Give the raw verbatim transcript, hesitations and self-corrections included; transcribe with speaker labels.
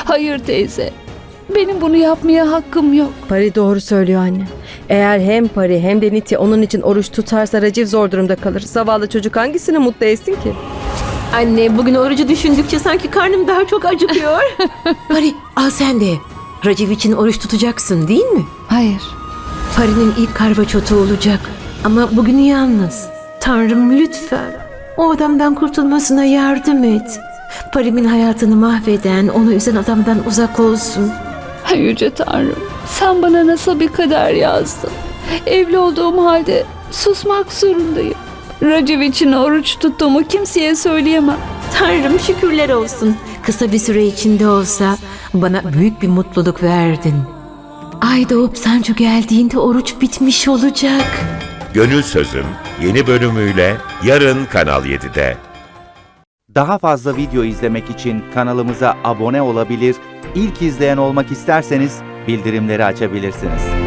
Speaker 1: Hayır teyze. Benim bunu yapmaya hakkım yok.
Speaker 2: Pari doğru söylüyor anne. Eğer hem Pari hem de Niti onun için oruç tutarsa Raciv zor durumda kalır. Zavallı çocuk hangisini mutlu etsin ki?
Speaker 3: Anne, bugün orucu düşündükçe sanki karnım daha çok acıkıyor. Pari, al sen de. Raciv için oruç tutacaksın değil mi?
Speaker 1: Hayır.
Speaker 3: Pari'nin ilk karvaçotu olacak. Ama bugün yalnız. Tanrım lütfen o adamdan kurtulmasına yardım et. Pari'min hayatını mahveden, onu üzen adamdan uzak olsun.
Speaker 1: Yüce Tanrım, sen bana nasıl bir kader yazdın? Evli olduğum halde susmak zorundayım. Raciv için oruç tuttuğumu kimseye söyleyemem.
Speaker 3: Tanrım şükürler olsun. Kısa bir süre içinde olsa bana büyük bir mutluluk verdin. Ay doğup Sancu geldiğinde oruç bitmiş olacak.
Speaker 4: Gönül Sözüm yeni bölümüyle yarın Kanal yedide.
Speaker 5: Daha fazla video izlemek için kanalımıza abone olabilir, ilk izleyen olmak isterseniz bildirimleri açabilirsiniz.